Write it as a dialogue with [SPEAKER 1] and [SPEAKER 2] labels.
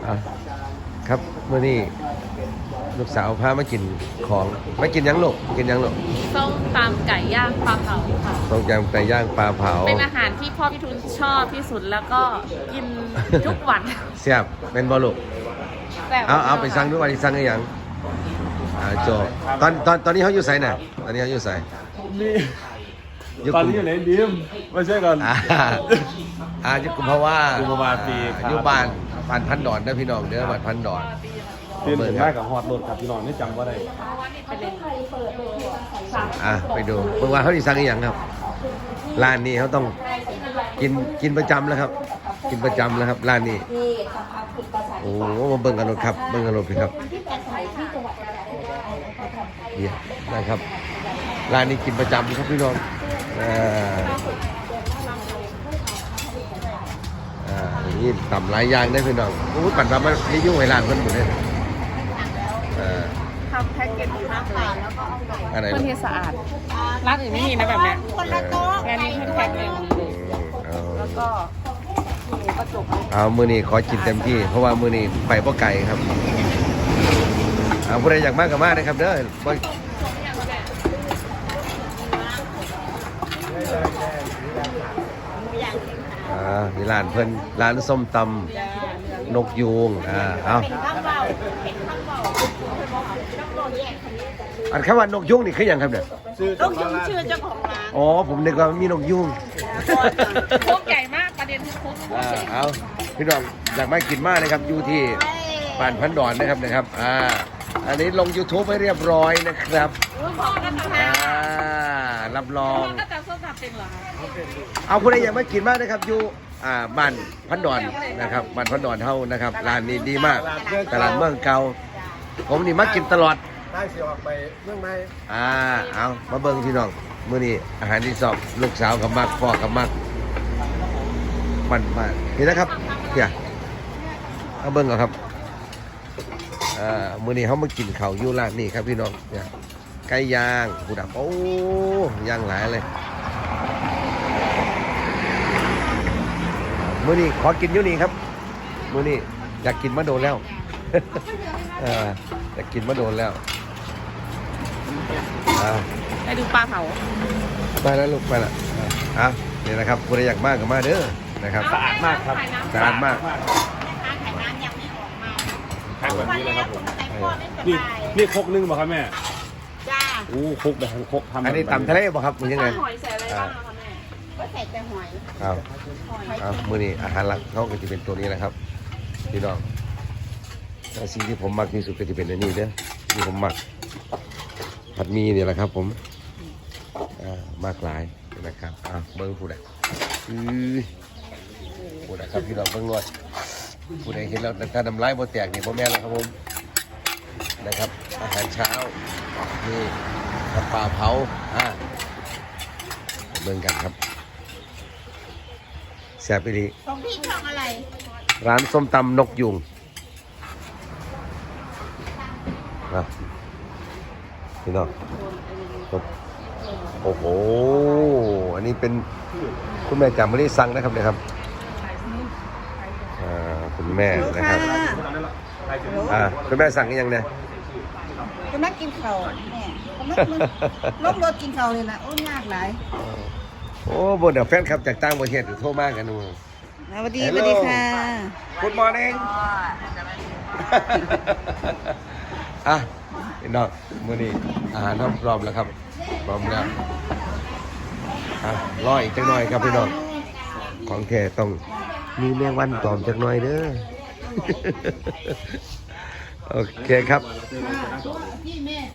[SPEAKER 1] อ่ะครับเมื่อนี้ลูกสาวพามากินของมากินยังลูกกินยังลูก
[SPEAKER 2] ส้มตำไก่ย่างปลาเผาค่ะ
[SPEAKER 1] ต้มยำไก่ย่างปลาเผา
[SPEAKER 2] เป็นอาหารที่พ่อพี่ทุนชอบที่สุดแล้วก็กินทุกวัน
[SPEAKER 1] เสียบเป็นบอลูกเอาไปสั่งด้วยวันนี้สั่งได้ยังโจตอนนี้เขาอยู่ไสน่ะตอนนี้เขาอยู่ไส
[SPEAKER 3] ตอนนี้อยู่ไหนดิมไม่ใช่ก่อน
[SPEAKER 1] ยุคุมเพราะว่า
[SPEAKER 3] กุมภาวะปี
[SPEAKER 1] อยู่บ้านพันดอนนะพี่น้องเด้อบ้านพันดอน
[SPEAKER 3] เป็นถึงได้กับฮอดรถครับพี่น้องนี่จำว่าได้
[SPEAKER 1] ไปดูเมื่อวานเขาดีสั่งอีกอย่างครับร้านนี้เขาต้องกินประจำแล้วครับกินประจำแล้วครับร้านนี้โอ้มาเบิ่งกันรถครับเบิ่งกันรถพี่ครับเนี่ยนะครับร้านนี้กินประจำครับพี่น้องนี่ต่ำหลายอย่างได้พี่น้องโอ้ยปั่นทำมาให้ยุ่งไอ้ร้านคนหมดเลย
[SPEAKER 2] ทำแพ็กเกจดีมากเลย
[SPEAKER 1] อะไร
[SPEAKER 2] คนที่สะอาดร้านอื่นไม่มีนะแบบเนี้ยงานนี้เพิ่มแพ็กเลยแล้วก็หมูกระจก
[SPEAKER 1] มือนี้ขอกินเต็มที่เพราะว่ามือนี้ไปเพราะไก่ครับผู้ใดอยากมากก็มากนะครับเด้อนี่ร้านเพิ่นร้านส้มตำนกยูงเอาอันคำว่านกยูงนี่คืออย่างครับเนี่ย
[SPEAKER 2] นกยูงชื่อเจ้าของร้าน
[SPEAKER 1] อ๋อผมนึกว่ามีนกยูง
[SPEAKER 2] โคกใหญ่มากประเด็นคือโคก
[SPEAKER 1] เอาพี่น้องอยากมากินมากนะครับอยู่ที่บ้านพันดอนนะครับอันนี้ลง YouTube ไปเรียบร้อยนะครับรับรองเอาผู้ใดอยากมากินมากนะครับอยู่บ้านพันดอนนะครับบ้านพันดอนเท่านะครับร้านนี้ดีมากตลาดเมืองเก่าผมนี่มากินตลอด
[SPEAKER 3] ได้เสียออกไปเมืองใน
[SPEAKER 1] เอามาเบิ่งพี่น้องมื้อนี้อาหารที่สอบลูกสาวกับมักพ่อกับมักมันมาเห็นนะครับเดี๋ยวเอาเบิ่งก่อนครับมื้อนี้เขามากินข้าวอยู่ร้านนี้ครับพี่น้องเนี่ยไก่ย่างหูดับโอ้ย่างหลายเลยมื้อนี้ขอกินอยู่นี่ครับมื้อนี้อยากกินมะโดนแล้วอยากกินมะโดนแล้ว
[SPEAKER 2] ไปดูปลาเผา
[SPEAKER 1] ไปแล้วลูกไปละนี่นะครับคุณอยากมากกับมาเด้อนะครับ
[SPEAKER 3] สะอาดมากครับ
[SPEAKER 1] สะอาดมาก
[SPEAKER 3] แพ็คแบบนี้เลยครับผมนี่ครกนึงป่ะครับแม่
[SPEAKER 2] จ้า
[SPEAKER 3] ครกแบบครกทำ
[SPEAKER 1] อันนี้ตำทะเลป่ะครับมันยังไง
[SPEAKER 2] หอยใส่อะไรบ้างคะแม่ก็ใส่แต่หอย
[SPEAKER 1] มื้อนี้อาหารหลักเขาก็จะเป็นตัวนี้นะครับพี่น้องสิ่งที่ผมมักที่สุดก็จะเป็นอันนี้เด้อที่ผมมักผัดหมี่เนี่ยแหละครับผมมากหลายนะครับเบิ้งผู้ใดผู้ใดครับพี่น้องเบิ้งรวดผู้ใดเห็นแล้วถ้าน้ำลายบ่แตกนี่บ่แม่นแล้วครับผมนะครับอาหารเช้านี่กับปลาเผาเบิ้งกันครับแซ่บไปดี
[SPEAKER 2] ของพี่ช่องอะไร
[SPEAKER 1] ร้านส้มตำนกยุงพี่น้องโอ้โหอันนี้เป็นคุณแม่จำไม่ได้สั่งนะครับเนี่ยครับคุณแม่นะครับคุณแม่สั่งยังเนี่ย
[SPEAKER 4] คุณแม่กินข้าวแม่ล้มรถกินข้าวเลยนะโอ้ยากหลาย
[SPEAKER 1] โอ้บนเดี๋ยวแฟนครับจากต่างประเทศโทรมากันดู
[SPEAKER 4] สวัสดีค่ะ
[SPEAKER 1] คุณมอร์นิ่งพี่น้องมื้อนี้อาหารพร้อมแล้วครับพร้อมแล้วรออีกจักหน่อยครับพี่น้องของแท้ต้องมีแมงวันตอมจักหน่อยเด้อโอเคครับ